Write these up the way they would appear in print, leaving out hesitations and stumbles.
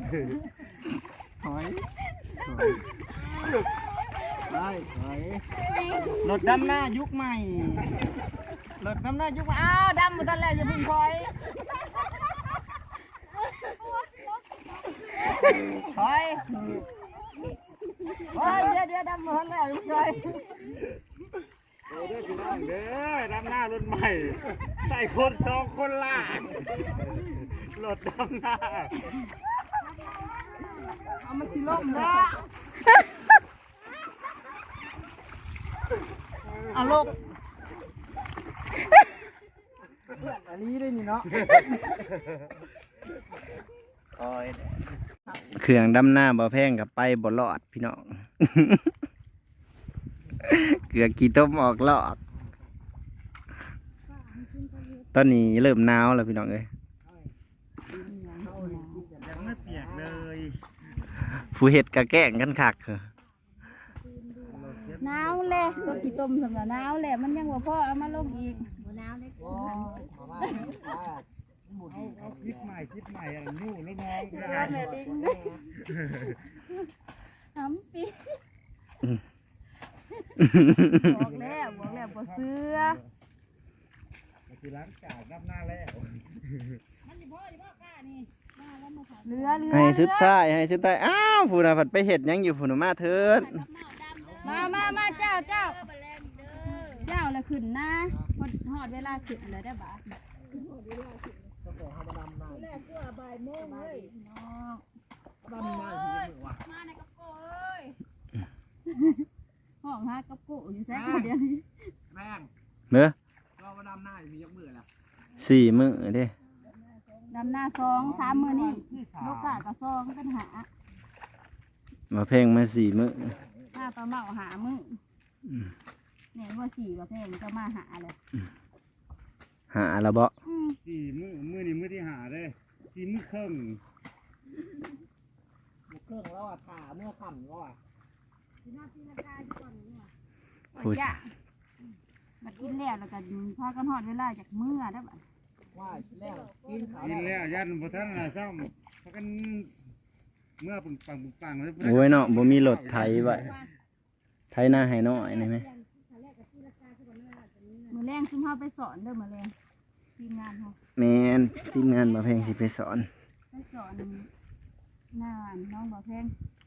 ถอยได้ถอยรถดำหน้ายุคใหม่รถดำหน้ายุคใหม่อ้าวดำหมดทันแล้วอย่าเพิ่งถอยถอยเดี๋ยวดำหมดทันแล้วอย่าเพิ่งถอยเด้อพี่น้องเด้อดำหน้ารถใหม่ใส่คน2 คนล่างรถดำหน้าเอามาชิลมนะเอาลบอันนี้ด้วยนี่เนาะเครื่องดำหน้าบ่แพงกับไปบ่รอดพี่น้องเกลือกี่ต้มออกลอกตอนนี้เริ่มหนาวแล้วพี่น้องเอ้ยยังไม่เปียกเลยผู้เห็ดกะแกล้งกันคักหนาวเลยรถกี่ต้มสำหรับหนาวเลยมันยังว่าพ่อเอามาลงอีกหนาวเลยคลิปใหม่อะไรนู่นแล้วน้องแม่ลิงด้วยทำปีบอกแล้วบ่เสื้อคือล้างจานรับหน้าแล้วมันอยู่พ่อกล้านี่เรือให้ชุดท้ายอ้าวผู้น่ะผัดไปเห็ดยังอยู่ผู้น่ะมาเถิดมาเจ้าแล้วขึ้นนะหอดเวลาขึ้นเลยได้บ่แรกก็บ่ายโมงเลยน้องมาในกระโปงเอ้ยห้องหากระโปงอยู่แซ่บเดียวนี้แม่งเนื้อเรามาดำหน้ามียกมือละ 4 มื้อเด้ดำหน้า2-3 มื้อนี่ลูกกะกับ2กันหามาเพลงมา4 มื้อถ้าปลาเมาหามื้อเนี่ยว่า4ประเภทก็มาหาเลยหาละบ่ 4 มื้อนี่มื้อที่หาเด้4 มื้อครึ่งแล้วอ่ะขาเมื่อค่ำแล้วอ่ะพูดจ้ะมากินแล้วก็พากันหอดเวลาจากมื้อได้บ่ว่ากินแล้วยันบ่ทันน่ะซ่อมพากันเมื่อปังโอ้ยเนาะบ่มีรถไถไว้ไถหน้าให้น้อยได้มั้ยมื้อแรงซึ่งเฮาไปสอนเด้อมื้อแรงทีมงานเฮาแม่นทีมงานบ่แพงสิไปสอนหน้าน้องบ่แพง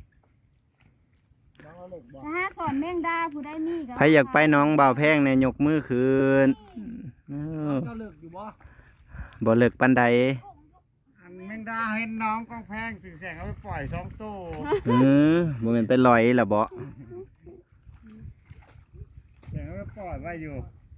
ถ้าสอนแมงดาผู้ใดมีก็ใครอยากไปน้องบ่าวแพงเนี่ยยกมือขึ้นเจ้าเลิกอยู่บ่เลิกปานใดแมงดาเห็นน้องกองแพงถึงแสงเอาไปปล่อย2 ตัวบ่แม่นไปลอยล่ะบ่แสงเอาไปปล่อยไว้อยู่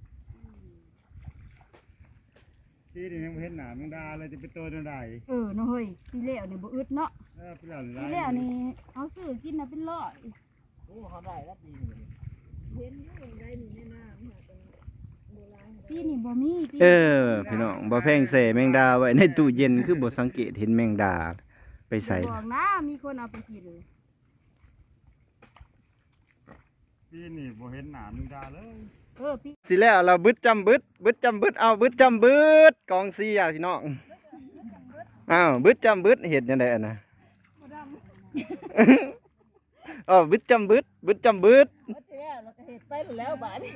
ที่นี่ยังเห็นหนาแมงดาเลยจะเป็นตัวใดเนาะเฮ้ยพี่เลี้ยวนี่บ่อึดเนาะพี่เลี้ยวนี่เอาซื้อกินน่ะเป็นร้อยโอ้เขาได้แล้วปีนี้เห็นอยู่ได้นี่แน่น้ำโบราณพี่นี่บ่มีพี่น้องบ่แพงใส่แมงดาไว้ในตู้เย็นคือบ่สังเกตเห็นแมงดาไปใส่บอกนะมีคนเอาไปกินพี่นี่บ่เห็นหนาแมงดาเลยพี่สิแล้วเราบึดจำบึดเอาบึดจำบึดกองเสียพี่น้องอ้าวบึดจำบึดเห็ดยังไงนะบึดจำบึดเราก็เห็ดไปแล้วบาด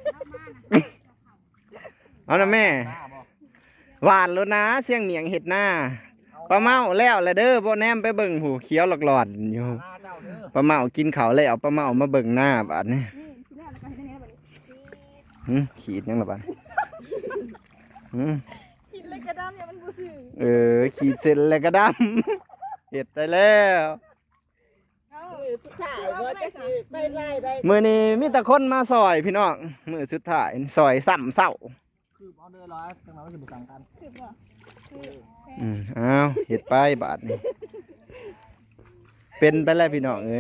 เอานะแม่หวานแล้วนะเสียงเหนียงเห็ดหน้าปลาเมาแล้วละเด้อบ่แนมไปเบิ่งหูเขียวหลอดอยู่ปลาเมากินเขาเลยเอาปลาเมามาเบิ่งหน้าบาดนี่ขีดยังหรอบ้านขีดเลยกระดำเนี่ยมันบูซื่อขีดเสร็จเลยกระดำเห็ดได้แล้วมือนี้มีแต่คนมาซอยพี่น้องมือสุดท้ายซอยซ้ำเศร้าคือเอาเดินร้อยจังเราจะบุกสั่งกันอ้าวเห็ดไปบาทนี่เป็นไปแล้วพี่น้องเอ้ย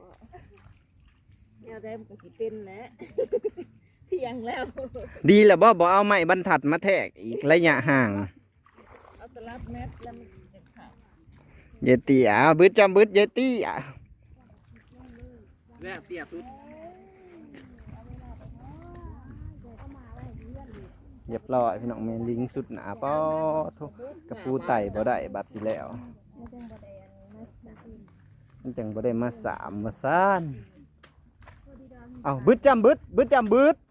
แนวแดงก็สิเป็นแหละเที่ยงแล้วดีแล้วบ่เอาไม้บรรทัดมาแทกอีกระยะห่างเอาตลับเม็ดแล้วมันจะขาดเยตี้บึดจำบึดเยตี้แล้วเตี้ยสุดเรียบร้อยพี่น้องแม่ลิงสุดหนาป้อทุกกระปูไต่บ่ได้บัดสิแล้วมันจังบ่ได้มาสามมาซ่านเอาบึดจำบึดบึดจำบึด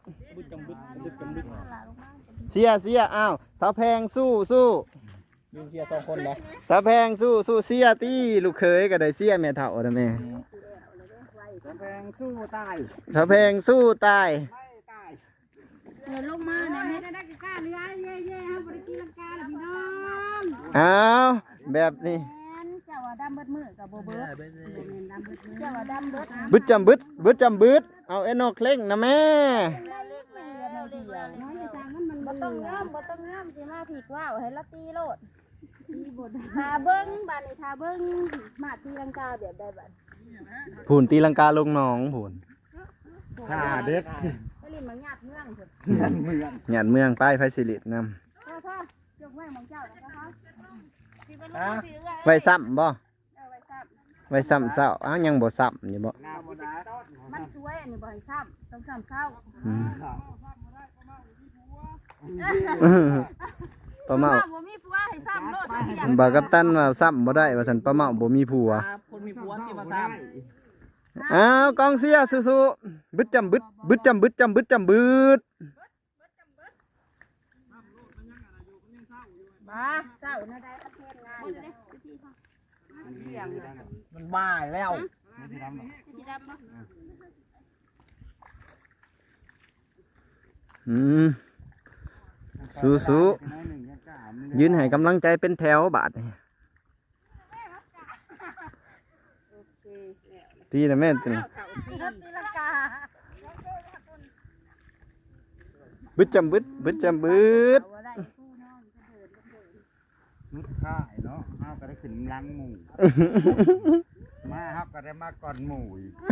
เสียอ้าวสาวแพงสู้ยืนเชียร์2คนนะสาวแพงสู้เสียตี้ลูกเขยก็ได้เสียแม่เฒ่านะแม่แพงสู้ตายสาวแพงสู้ตายไม่ตายเดินลงมาเนี่ยไม่ได้กล้าเรือเย่ๆฮะบริกีลังกาแล้วพี่น้องอ้าวแบบนี้แม่นเจ้าว่าดำเบิดมือกับโบเบิดดำเบิดมือเจ้าว่าดำเบิดบึดจำบึดเอาเอ็นอเคร่งนะแม่น้อยจางมันบ่ต้องงามสิมาผีกว่าวให้ละตีโลดทาเบิ้งบานนี้ทาเบิ้งมาตีลังกาแบบใดบัดผูนตีลังกาลงหนองผูนข่าเด็ดไปลินมังหยาดเมืองเถอะเมืองเมืองหยาดเมืองป้ายไฟสิรินพ่อยกแม่มองเจ้าแล้วนะคะำไว้ซ้ำบ่ไว้ซ้ไว้ซ้ำเศร้าอ้าวยังบ่ซ้ำอยู่บ่หน้าบดาำมันสวยอันนี้บ่ให้ซ้ำต้องซ้ำเศร้าอืมป้าเมาบ่มีผัวให้ซ้ำโลดเพียงบอกกับตันว่าซ้ำบ่ได้ว่าฉันป้าเมาบ่มีผัวคนมีผัวที่มาซ้อ้าวกองเสียสู้ๆบึดจำบึดจำบึดบ้าเศร้านะได้ประเทศงานเด้เพียงำมันบ้าแล้วสีดำบ่อืมสู้ๆยืนให้กำลังใจเป็นแถวบาดนี่ตีนะแม่ตีตีลังกาบึดจำบึดนุดข่ายเนาะห้าวก็ได้ขึ้นลังหมู่มาห้าวก็ได้มาก่อนหมู่อีก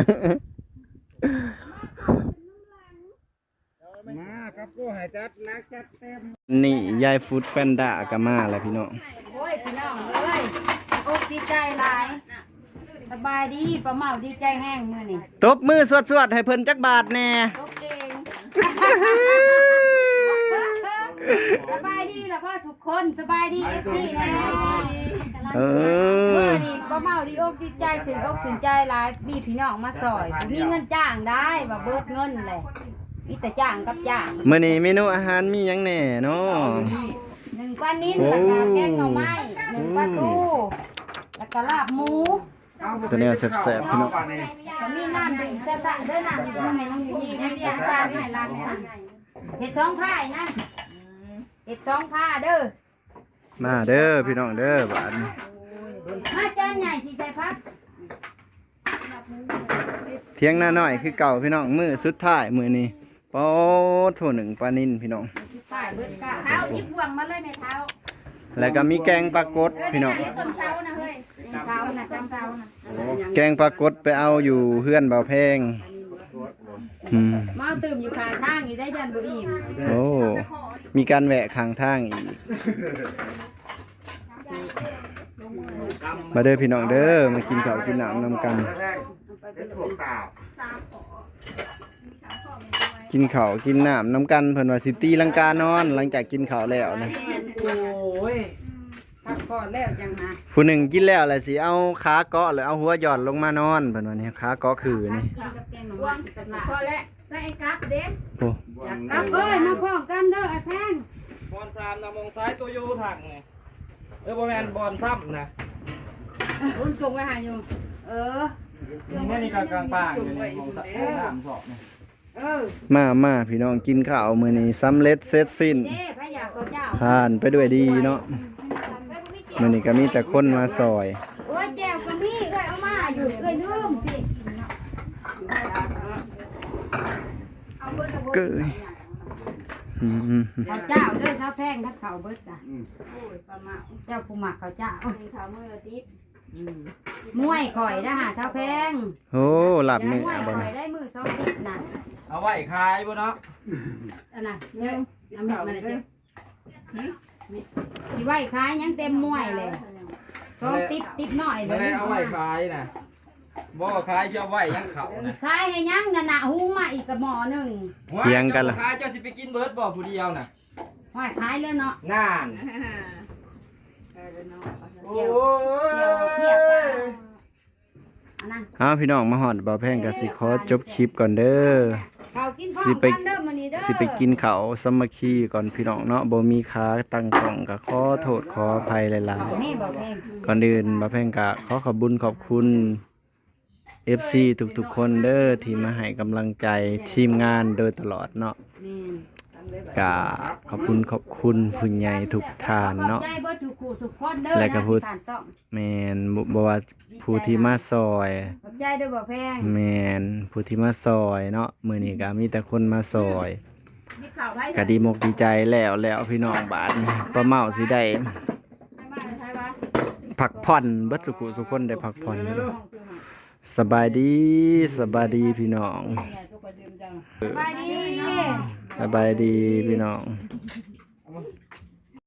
มาครับกูให้จัดนักจัดเต็มนี่ยายฟูดแฟนด้าก็มาแล้วพี่น้องโอ้ยพี่น้องเอ้ยอกดีใจหลายสบายดีป้าเมาดีใจแห้งมื้อนี้ตบมือสวดๆให้เพิ่นจักบาทแน่ตกเองสบายดีล่ะพ่อทุกคนสบายดี FC แน่เอมื้ออนี้ป้าเมาดีอกดีใจสื่ออกสนใจหลายมีพี่น้องมาซอยมีเงินจ้างได้ว่าเบิดเงินแหละมีแต่จ้างกับจ้างมื้อนี้เมนูอาหารมีหยังแหน่เนาะ 1ปลานิ้นแล้วก็แกงหน่อไม้1ปลาทูแล้วก็ลาบหมูตัวแนวแซ่บๆพี่น้องก็มีน้ำดื่มแซ่บๆด้วยน้ำดื่มให้น้องอยู่นี่เดี๋ยวปลาให้ร้านนี้เห็ด2 ผ้านะเห็ด2 ผ้าเด้อมาเด้อพี่น้องเด้อบาดนี้มาจานใหญ่สิใส่พักเที่ยงหน้าน้อยคือเก่าพี่น้องมื้อสุดท้ายมื้อนี้ปอโถ1ปลานิลพี่น้องใส่เบิดกะเท้าหยิบบ่วงมาเลยในเท้าแล้วก็มีแกงปลากดพี่น้องต้นเท้านะเฮ้ยเท้านะจำเท้านะแกงปลากดไปเอาอยู่เฮือนเบาแพงมาตื่มอยู่ข้างทางอีได้ยันบ่อิ่มโอ้ มีการแวะข้างทางอีก มาเด้อพี่น้องเด้อ มากินข้าวกินน้ำนำกัน กินข้าวกินน้ำนำกันเพิ่นว่าสิตีลังกานอนหลังจากกินข้าวแล้วนะโอ้ยพักก่อนแล้วจังนะผู้หนึ่งกินแล้วแหละสิเอาขาเกาะหรือเอาหัวหย่อนลงมานอนเพิ่นว่านี่ขาเกาะคือนี่กินกับแกงหน่อไม้กับลาบพอแล้วใส่ไอ้กั๊บเด้โอ้กั๊บเอ้ยมาพร้อมกันเด้อไอ้แพงบอล3นะมองซ้ายตัวโยถังไงบอลแมนบอลซ้ำนะรุ่นจงไว้หาอยู่เออนี่นี่กลางป่างอยู่นี่มองซ้าย3 ศอกเนี่ยมาพี่น้องกินข้าวมื้อนี้สำเร็จเสร็จสิ้นเด้พระยาตัวเจ้าผ่านไปด้วยดีเนาะมื้อนี้ก็มีแต่คนมาซอยโอ้ยแก้วก็มีเอ้ยเอามาอยู่เอ้ยลืมสิเอาเบิดเอาเกยอืมข้าวเจ้าเด้อข้าวแพงถ้าข้าวเบิดจ้ะโอ้ยประมาณเจ้าผู้หมักข้าวเจ้าข้าวมื้อละติดมวยข่อยนะฮะข้าวแพงโอ้หลับมมื้อวยบ่ข่อนะยได้มื้อ2ติดน่ะเอาไว้ขายบ่เนาะอันน่ะเดี๋ยวเอามีดมาเลยเจ้สิไว้ขายยังเต็มมวยเลย2ติดน้อยเลไม่ยได้เอาไว้ขายนะบ่ขายจะเอาไว้ยังเขานะขายให้ยังน่ะหุงมาอีกกระหม้อหนึงเถียงกันล่ะขายเจ้าสิไปกินเบิร์ดบ่ผู้เดียวน่ะห้อยขายแล้วเนาะน่านเดี๋ยวเทียบอ้าวพี่น้องมาฮอดบ่าวแพงก็สิขอจบคลิปก่อนเด้อข้าวกินพร้อมสิไปกันเด้อมื้อนี้เด้อสิไปกินข้าวสามัคคีก่อนพี่น้องเนาะบ่มีขาตั้งกล้องก็ขอโทษขออภัยหลายนี่บ่แพงๆก่อนอื่นบ่าวแพงก็ขอขอบคุญขอบคุณ FC ทุกๆคนเด้อที่มาให้กำลังใจทีมงานโดยตลอดเนาะนี่ก็ขอบคุณผู้ใหญ่ทุกท่านเนาะขอบใจเบ่ทุกคู่ทุกคนเด้อและก็พูดนะสิผ่านซ่องแม่นบ่ว่าผู้ที่มาซอยขอบใจเด้อบ่แพงแม่นผู้ที่มาซอยเนาะมื้อนี้ก็มีแต่คนมาซอยมีข้าวไว้ก็ดีมกดีใจแล้วพี่น้องบาดนี้ป้าเมาสิได้พักผ่อนเบิดสุขุสุคนได้พักผ่อนสบายดีพี่น้องสบายดีสบายดีพี่น้อง